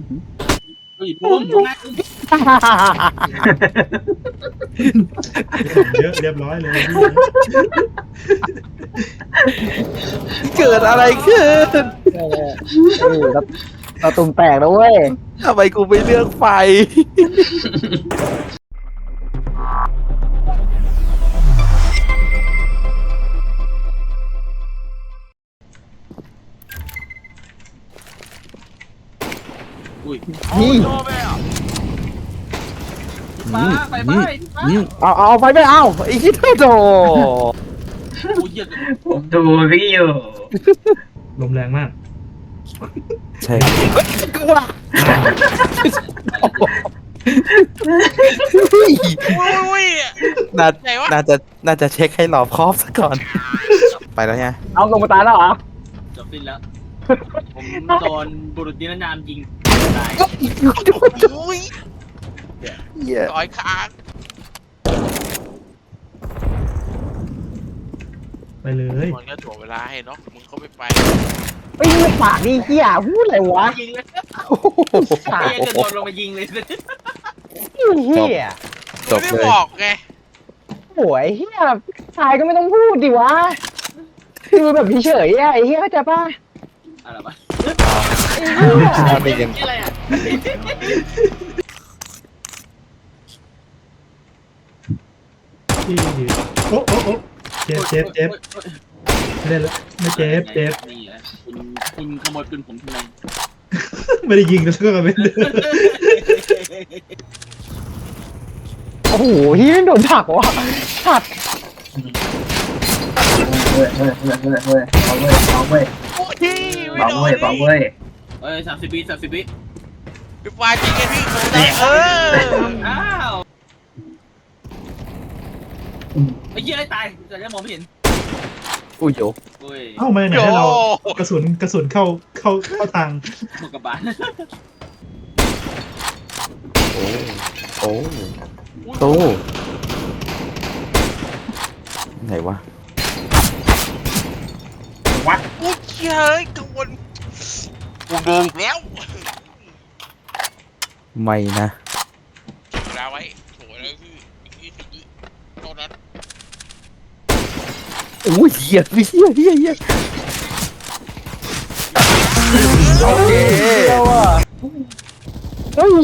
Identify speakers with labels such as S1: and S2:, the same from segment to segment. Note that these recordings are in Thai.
S1: เฮ้ยปุ้มนะ
S2: เยอะเรียบร้อยเลย
S3: เกิดอะไรขึ้น
S4: เราตุ่มแตกแล้วเว้ย
S3: ทำไมกูไม่เลือกไฟ
S1: อุ้ย
S4: นี่
S1: ป้าไปไปป้า
S4: เอาไฟไม่เอาไอ้คิดโต
S1: โอ้ยเหี้ย
S5: ผมดูพี่อยู่
S2: ลมแรงมาก
S3: ใช่
S4: กูว่า
S6: อุ้ย
S3: น่า
S6: ไหนวะ
S3: น่าจะเช็คให้รอบคอบซะก่อน ไปแล้วไง
S4: เอาลงมาตายแล้วเหรอ
S1: จบสิ้นแล้วผมโดนบุรุษนิรนามยิงตาย
S6: อุ้ย
S3: เหี้ย
S6: ต่อยค้าง
S2: ไปเลย
S6: มันก็ถ่วงเวลาให้เนาะมึงเขาไป
S4: ไอ้ปากนี่เหี้ยพูดอะไรวะ
S1: ยิงเลย
S4: ปาก
S1: เหี้ยจะโดนลงมายิงเลย
S4: เหี้ย
S3: จบ
S6: ไม่
S3: เลย
S6: บอกไง
S4: โอ้ยเหี้ยชายก็ไม่ต้องพูดดิวะคือแบบเฉยๆอะไอ้เหี้ยเข้าใจป่ะ
S1: อะไรวะ
S3: เป็นยัง
S1: อะไรอ่ะ
S2: ที่โอ้เจ็บไม่ได้แล้วไม่เจ็บ
S1: นี่แหละคุณขโมยปืนผมทำไม
S2: ไม่ได้ยิงแล้วก็ไม่ได้
S4: โอ้โหเหี้ยโดนถักวะถัก
S5: เฮ้ยเอาเว้ย
S6: โอ้ยไม่
S5: เอา
S6: โด
S5: เว้
S6: น
S5: ยเอาเว้ย
S1: เอ้ย30 วิ30 วิ
S6: ไปฟาดจริงไงพี่โดนได้
S1: อ้าวไอ้เหี้ยได้ตายแต่ยังมองไม่เห็น
S3: อุ้ยโย
S1: โอ้ย
S2: เอ้าไม่ไหน
S6: โย
S2: ให้เรากระสุนเข้าทาง
S1: หมดกระบาล
S3: โอ้โตไหนวะ
S6: อุ้ยเฮ้ยกังวลกูโดนแล้ว
S3: ไม่นะ
S6: เวลาไว้โถแล้วคืออีก20 วิเท่านั้น
S3: โอ้ยเหี้ยเหี้ยโอเค
S4: เดียวอ่ะเฮ้ย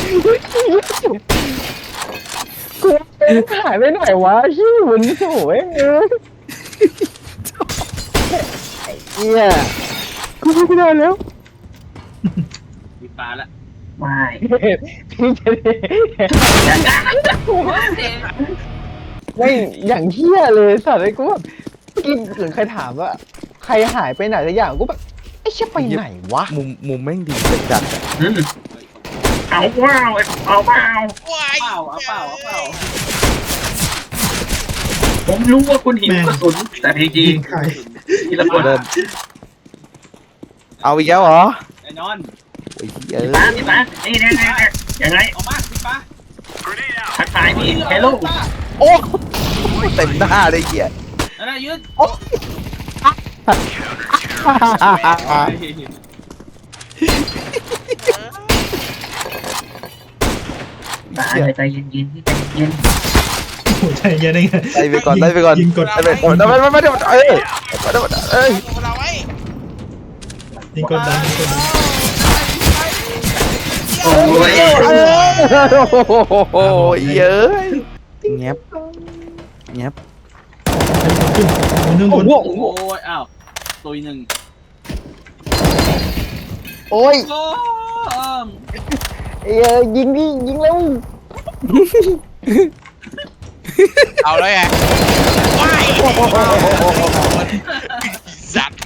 S4: กูหายไปไหนวะชิวนี่โอ้ยเหี้ยกูไม่ได้แล้ว
S1: มีปลาละ
S5: ไม่
S4: ไม่อย่างเหี้ยเลยสัตว์ไอ้กูแบบกินหรือใครถามว่า ใครหายไปไหนสักอย่างกูแบบไอ้เชี่ยไปไหนวะ
S3: มุมแม่งดีจัด
S5: เอาว้าวเอาเปล่า
S6: ว้าย
S1: เปล่าเอาเปล่าเอาเปล่า
S5: ผมรู้ว่าคุณหิวกระสุนแต่จริ
S2: ยิ
S5: ง
S2: งใคร
S5: ๆทีละคน
S3: เดินเอาอีกแล้วเหรอ
S1: ไอ้นอน
S3: โอ้ยเหี้ย
S5: พี่ป้านี่ยังไง
S1: ออกมาสิปลา
S5: ทักทายพี่เฮลโล
S3: โอ้เต็มหน้าเลยเหี้ย
S1: นั่นน่ะยืน
S5: ใจเย็นๆพี่ใจเย็น
S2: โอ้ใจเย็นได้ไง
S3: ไล่ไปก่อน
S2: ยิงกด
S3: ไล่ไปก่อนไม่เดี๋ยวเอ้ยเอ้ย
S6: เวลาไว้
S2: ยิงกดดัน
S5: โอ้ย
S3: โอ้ยเย้ยเงียบ
S2: ขึ้นบน
S1: โอ้ยอ้าวตัวหนึ่ง
S4: โอ้ย
S1: โอ้
S4: ยิงดิยิงเร็ว
S6: เอาเลยไงว้ายสัตว์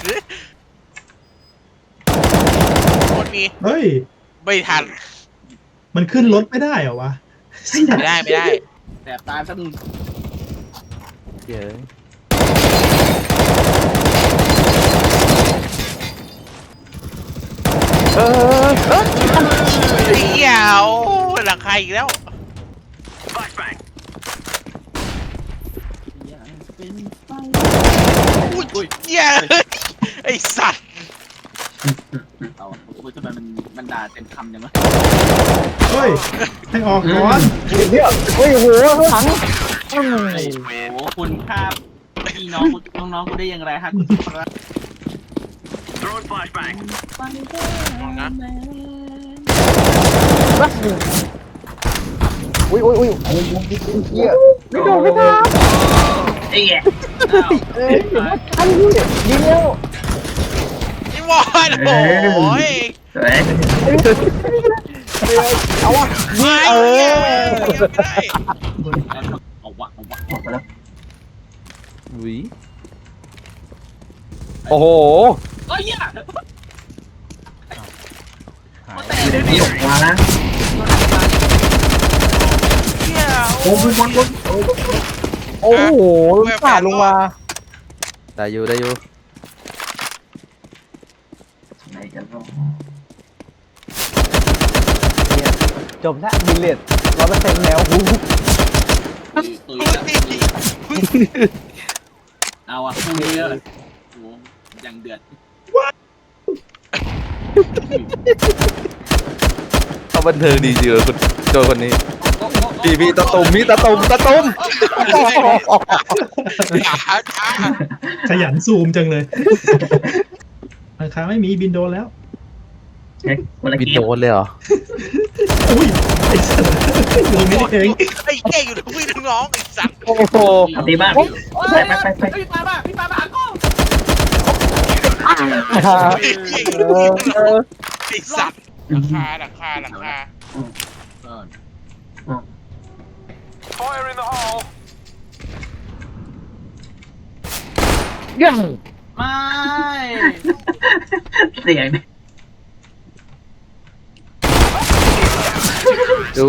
S6: คนมี
S2: เฮ้ย
S6: ไม่ทัน
S2: มันขึ้นรถไม่ได้เหรอวะ
S6: ไม่ได้
S1: แสบตาสักหนึ่ง
S3: เย้ย
S6: เดี๋ยวหลังใครอีกแล้ว อุ้ยเหี้ยไอสัตว์
S1: เอาทำไมมันดังด่าเต็มคำยังไง
S2: เฮ้ยให้ออกก่อน
S4: เนี่ยโอ้ยโหข้างหลัง
S1: โอ้โหคุณฆ่าพี่น้องน้องๆกูได้อย่างไรฮะคุณพระ
S6: มองนะ
S4: อุ้ยอุ้ยอุ้ยโอ้ยเหี้ยไม่โดนไม่ทัน
S5: ไอ้เหี้ย
S1: อ้าว
S4: เอ้ยเดี๋ยวมาทันพี่ยิงแล้ว
S6: พี่วอนโอ้ย
S5: สวย
S4: เอาวะ
S6: ไม่
S4: เอ
S6: เหี้ย
S4: อ
S6: ไม่ได้
S1: เอาวะ
S5: ออกไปแล้ว
S3: อุ้ยโอ้โห
S1: เอ้ยอ่ะ
S5: อยู่ในนี้ออกมานะ
S6: เหี้ย
S5: โอ้บน
S4: โอ้โหสาดลงมา
S3: ได้อยู่ได้อยู่
S5: ไหนกันเนาะ
S4: จบแล้วบิลเลต100%แล้วหู
S1: ตุยเอาอ่ะคู่นี้เลยโอ้ยังเดือด
S3: เขาบันเทิงดีจริงเลยคุณโจคนนี้พี่ตะตุ่มตะตุ่ม
S6: ช้าช้า
S2: ขยันซูมจังเลยราคาไม่มีบินโดนแล้ว
S5: เช็คคนละ
S3: บิน
S5: เก
S3: โด
S5: ม
S3: นเลยเหรอ
S2: อุ้ยไอ้สัตว์ลงนี่เอง
S6: ไอ้เก่อยู่ทั้งพี่ทั้งน้องไอ้สัตว์
S4: โอ้โห
S5: เอาตีบ้าน
S1: ไปพี่ปาบ้าพี่ปาบ้าก็
S6: ไอ้เก่อยู่ทั้งพี่ทั้งน้องไอ้สัตว์หลังคา
S4: ยัง
S1: ไม่
S5: เสียง
S3: ดู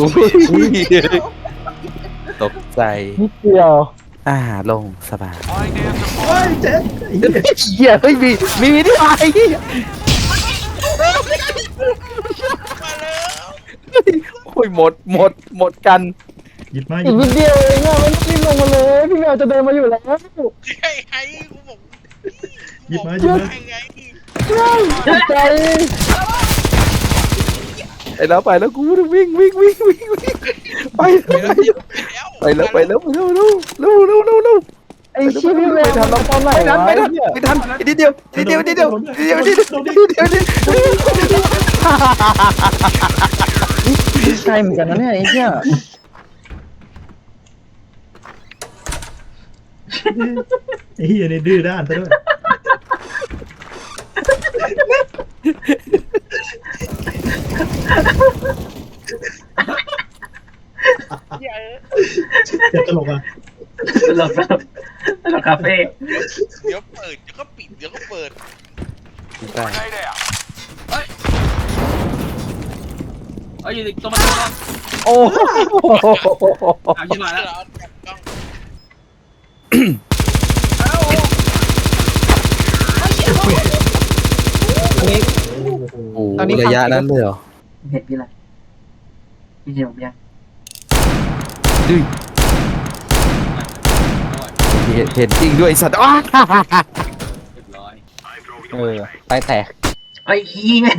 S3: ตกใจ
S4: นิดเดียว
S3: ลงสบาย
S2: เฮ้ยเจ๊ไอ้เหี้ย
S3: เหี้ยเฮ้ยมีที่ไหนโอ้ยหมดกัน
S2: หยิบมาห
S4: อี
S2: ยิ
S4: ก
S2: บ
S4: นิ
S2: มา
S4: ดเดียวเองอะมันรีบลงมาเลยพี่แมวจะเดินมาอยู่แล้ว
S6: ไอ้กูบอก
S2: หยิบมา
S6: ไง
S4: ใจ
S3: ไปแล้วกูวิ่งไปแล้วเร็ว
S4: ไอ้ชี้พี่แมวทำตอนไหนวะ
S3: ไม่ทันนิดเดียว
S4: ใช่เหมือนกันนะเนี่ยไอ้เหี้ย
S2: ไอ้เหี้ยนี่ดื้อด้านซะด้วย เจ็บตลกอ่ะ
S5: เราคาเฟ่
S6: เดี๋ยวเปิดเดี๋ยวก็ปิดเดี๋ยวก็เปิด
S1: เอ้ยอยู่ตรงมาตรง
S4: โอ้โห
S1: เอาชิบหายแล้ว
S3: โอ้ระยะนั้นเลยเหรอ
S5: เห็นพี่อะไรพี่เจียวยัง
S3: เห็นจริงด้วยสัตว์อ้า
S1: เรียบร้อย
S4: ไปแตก
S5: ไอ้ขี้แม่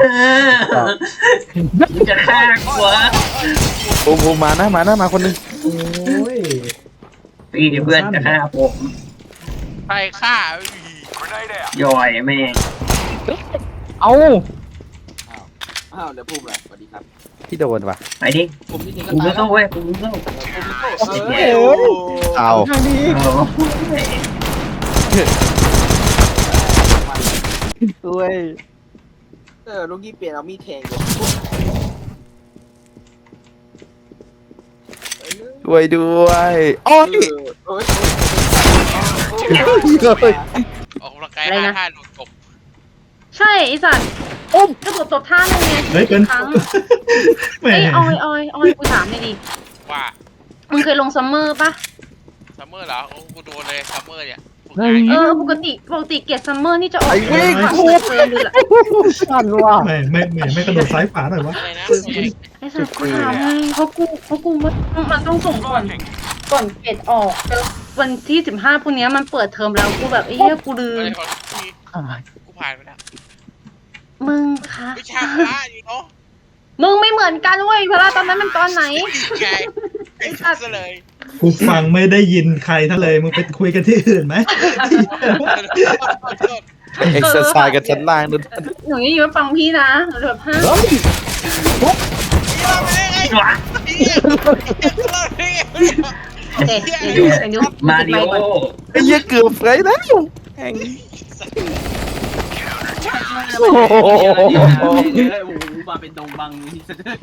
S5: จะฆ่ากูวะ
S3: ผมมาคนนึง
S2: โอ้ย
S5: พี่เพื่อนจะฆ่าผม
S6: ไปฆ่า
S5: ย่อยแม่ง
S4: เอา
S1: อ้าวเดี๋ยวพูดเลยสวัสดีครับ
S3: ที่โดนว่ะ
S5: ไปดิ
S1: ผมที่จริงก็
S5: กู
S1: ตาย
S5: สู้เว้ยกูสู้
S3: เอา
S4: ทางนี้
S5: โอ้
S4: ด้วย
S1: ลูกกี้เปลี่ยนเอามีดแทง
S3: ด้วยโอ้ย
S1: เอ้ย
S6: ออกกำลังกาย5 โดนตบ
S7: ใช่ไอสัตว์กระโดดตบท่านึงไง
S2: เฮ้ยเกิน
S7: ครั้ง
S2: แหม
S7: ไอ้ยออยกูถามเลยดิ
S6: ว่า
S7: มึงเคยลงซัมเมอร์ปะ
S6: ซัมเมอร์เหรอโอ้กูโดนเลยซัมเมอร์เนี่ย
S7: ปกติเกรดซัมเมอร์นี่จะออก
S3: ไอ้วิ่ง
S7: ผ่านเฟิร์มเลยแหละ
S4: ชันว่ะ
S2: ไม่กระโดดซ้ายขวาหน่อยวะ
S6: อะไรนะ
S7: ไอสัตว์กูถามไงเพราะกูมันต้องส่งก่อนเกรดออกแล้ววันที่15พวกเนี้ยมันเปิดเทอมแล้วกูแบบไอ้เหี้ยกูลื
S6: อะไร
S7: ม
S6: ของพี่กูผ่านไปแล้ว
S7: มึงคะ
S6: วิชาพระอยู่เนาะ
S7: มึงไม่เหมือนกันเว้ยเพราะว่าตอนนั้นมันตอนไหน
S6: ไงไอ้สัตว์เลย
S2: กูฟังไม่ได้ยินใครทั้งเลยมึงไปคุยกันที่อื่นไหม
S3: เอ็กซ์ไซส์กันชั้นล่างนั่น
S7: หนูยังอยู่ฟังพี่นะหนูแบบฮะ โอเคเดี๋ยว
S5: มาริโอ
S3: ไอ้เหี้ยเกือบไปแล้วแห่ง
S1: โอ้โหมาเป็นดงบังนี่ซะด้วย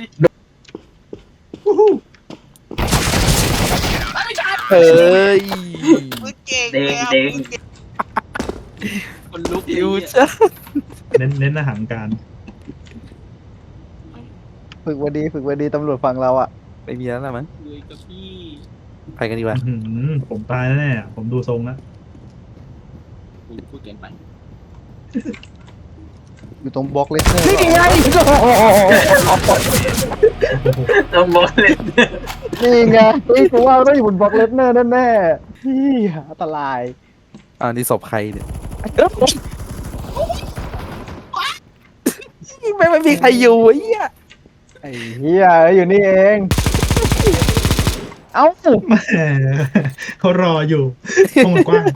S3: เฮ้ย
S6: มึงเก่ง
S5: เด้ง
S6: แล้ว
S5: เด้ง
S6: มึงเก่ง
S1: คนลุก
S3: อิว
S1: จ้ะ
S3: จ้ะ
S2: เน้นอาหารการ
S4: ฝึกวันดีตำรวจฟังเราอ่ะ
S3: ไม่มีแล้วนะมั้ง
S1: คุยกับพี่
S3: ไปกันดีกว่า
S2: ผมตายแน่ๆผมดูทรงแล้ว
S1: พูดเกินไป
S4: อยู่ตรงบล็อกเลสเนอร์
S7: นี่ไง
S5: ต้องบอกเลย
S4: นี่ไงนี่กูว่าต้องอยู่บนบล็อกเลสเนอร์แน่ๆพี่อันตราย
S3: นี่ศพใครเนี่ยไม่มีใครอยู่ไอ้เหี้ย
S4: ไอ้เหี้ยอยู่นี่เอง เอ้า
S2: แหมเขารออยู่ห้องมันกว้าง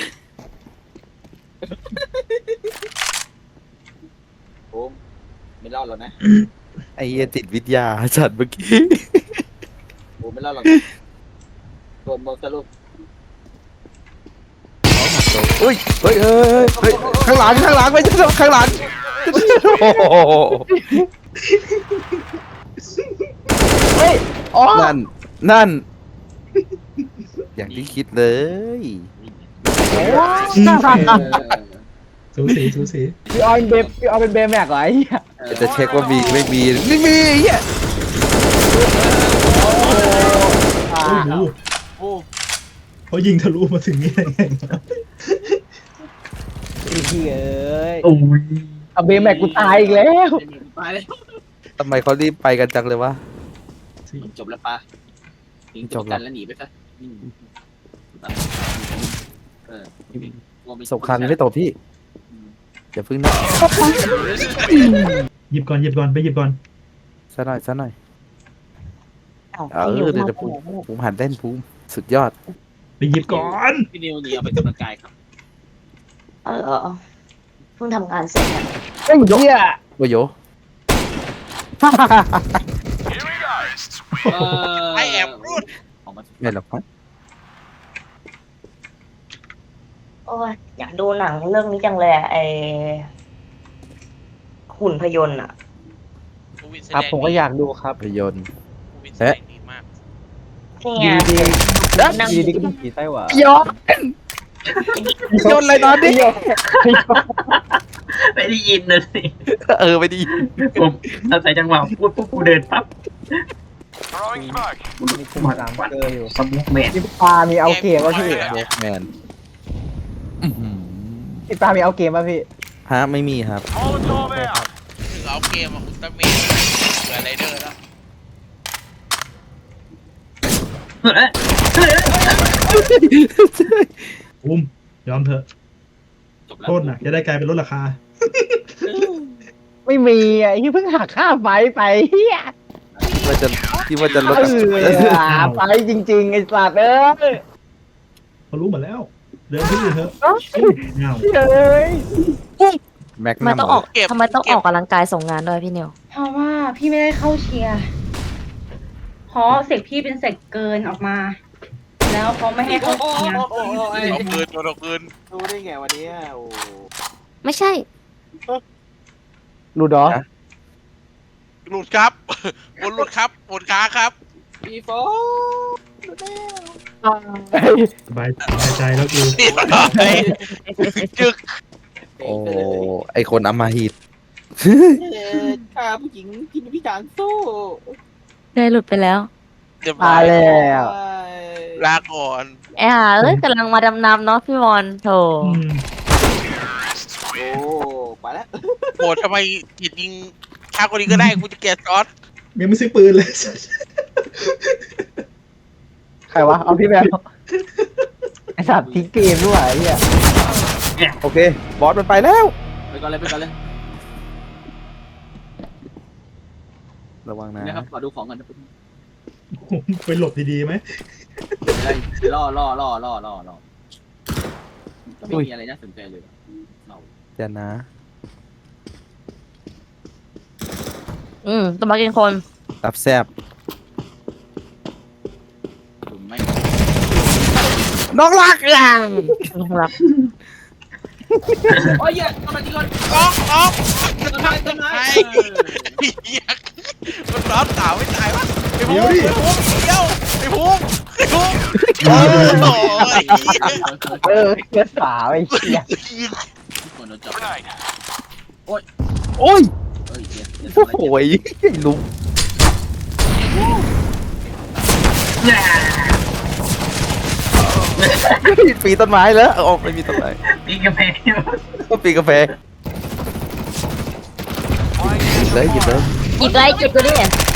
S1: ผมไม่รอดแล้วนะ
S3: ไอ้เหี้ยติดวิทยาจัดเมื่อกี้
S1: ผมไม่รอดหรอกโดนโมสรุป
S3: อุ้ยเฮ้ยข้างหลังไม่ใช่ข้างหลังโอ้โห
S4: เฮ้ยอ๋อ
S3: นั่น อย่างที่คิดเลย
S2: สูสี
S4: พี่ออยเป็นเบย์แม็กเหรอไอ้เหี้ย
S3: จะเช็คว่ามีไม่มีไม่มีไอ้เหี้ย
S4: อ่า
S2: โอ้โหเขายิงทะลุมาถึงนี่ได้ไง
S4: ไอ้เหี้ยเอ้ย
S5: โอ้ย
S4: เอาเบย์แม็กกูตายอีกแล้ว
S1: ไปเลย
S3: ทำไมเขารีบไปกันจังเลยวะ
S1: จบแล้วปะทิ้งจบกันแล้วหนีไปซะ
S3: สงครามยังไม่ตกพี่อย่าพึ่งนะ
S2: หยิบก่อนไปหยิบก่อน
S3: ซะหน่อยเดี๋ยวภูมิหันเต้นภูมิสุดยอด
S2: ไปหยิบก่อน
S1: พี่นิวหนีเอาไปกำลังกายครับ
S8: เพิ่งทำงานเสร็จอะ
S4: ไอ้เหี้ย
S3: โอ้โย
S6: ไอแอบรูด
S3: ไม่หรอกครับ
S8: โอ้ยอยากดูหนังเรื่องนี้จังเลยอะไอหุ่นพยนต์อ่ะ
S4: ครับผมก็อยากดูครับ
S3: ภาพยนตร์
S6: วินแสดงดีมาก
S8: นี่ไง นั่ง
S4: ดีก็มีผีไส้หวาน
S3: ยนอะไรนอนดิ
S5: ไม่ได้ยินเลยสิ
S3: ไม่ดี
S5: ผมอาศัยจังหวะพูดปุ๊บกูเดินปั๊บ
S4: มีคุมสามเกอร์อยู่
S5: สมุกแมน
S4: พี่ปามีเอาเกมป่ะพี่
S3: โบกแมน
S4: พี่ปามีเอาเกมป่ะพี่
S3: ฮะไม่มีครับ
S6: ถึงเอาเกมอุลตร้าแมนเหลือไรเดอร์แล้ว
S2: ภูมิยอมเถอะ
S1: จบแล้ว
S2: โทษนะจะได้กลายเป็นลดราคา
S4: ไม่มีอ่ะที่เพิ่งหักค่าไฟไปเฮีย
S3: ที่ว่าจะลด
S4: ไฟจริงๆไอ้สัตว์เอ้ย
S2: เขารู้หมดแล้ว เดินที่อื่นเถอะเงา
S4: เฮ้ย
S3: แม็ก
S8: ทำไม
S3: นัม
S8: ต้องออกทำไมต้องออกกำลังกายส่งงานด้วยพี่นิว
S7: เพราะว่าพี่ไม่ได้เข้าเชียร์เพราะเสกพี่เป็นเสกเกินออกมา แล้วเขาไม่ให้เข้าเชียร์
S6: เอาปืนตัวปืน
S1: รู้ได้ไงวันนี้โอ้
S8: ไม่ใช่
S4: รูดอ
S6: หลุดครับบนหลุดครับบนขาครับ
S1: พี่โฟ
S2: สบายใจแล้วกู
S6: เรียบร้อยจึก
S3: โอ้ไอคนอำมาหิต
S1: ฆ่าผู้หญิงกินพิการสู้
S8: ได้หลุดไปแล้ว
S6: เรียบร้
S4: ตา
S6: อย ย
S4: แล้ว
S6: ลาก่อน
S8: ไอ้ห่ากำลังมาดำน้ำเนาะพี่บอลโถ
S1: โอ้ไปแล้ว
S6: โหทำไมจิตยิงฆ่าคนนี้ก็ได้กูจะแกะซอส
S2: ยังไม่ซื้อปืนเลย
S4: ใครวะ เอาพี่แมวไอ้สัตว์ทิ้งเกมด้วยไอ้เหี้ย
S3: โอเค บอสมันไปแล้ว
S1: ไปก่อนเลย
S3: ระวังนะ
S1: นะครับขอดูของกันนะ
S2: ไปหลบดีๆไหม
S1: ล่อไม่มีอะไรน่าสนใจเลยเรา
S3: เดี๋ยวนะ
S8: ต้องมากินคน
S3: รับแซบ
S1: ผมไม่
S3: น้องรักอย่าง
S8: รัก
S1: โอ้ยเหี้ยทำไมจริงคน
S6: ออก
S1: ต้นไม้ต้นไม้
S6: เหี้ยมันร้อนสาวไม่ตายวะไอ้ภูมิไอ้ภูมิโอ้ย
S4: เหี้ยสาวไอ้เหี้ย
S1: คนโดนจับ
S3: โอ้ย
S1: เอ้ย
S3: โอ้โหลุงปีต้นไม้แล้วออกไม่มีต้นไม้
S5: ปีกาแฟ
S3: ก็ปีกาแฟหยิบเลย
S8: อีกไรเก็บตัวดิ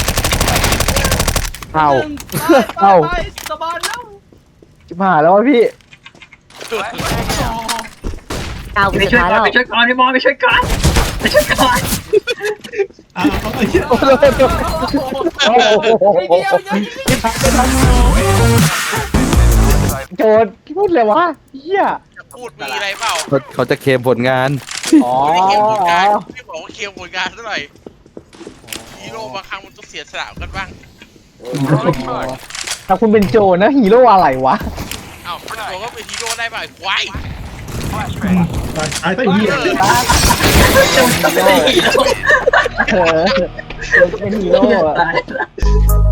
S3: เอา
S1: ไปสบายแล้ว
S4: จิบหายแล้ววะพี่
S8: ดาวกู
S5: ไป
S8: สุด
S5: ช่วย
S8: ท้าย
S5: ก่อน
S8: แล้ว
S5: ไปช่วยก่อนพี่บอลไปช่วยก่อนไปช่วยก่อน
S2: เอาไอ้เหี้ย
S4: โอ้โหโจรพูดเลยวะเหี้ย
S6: จะพูดมีอะไรเปล่า
S3: เขาจะเคลมผลงาน
S4: อ๋อ
S6: ไม่เคลมผลงานไม่บอกว่าเคลมผลงานเท่าไหร่ฮีโร่บางครั้งมันต้องเสียสละกันบ้าง
S4: ถ้าคุณเป็นโจรนะฮีโร่อะไรวะ
S6: เอ้าบอกว่าเป็นฮีโร่ได้เปล่าไอ้ควาย
S2: ตายไปเหี้ย
S4: เออโจรเป็นฮีโร่อะ
S5: ตายละ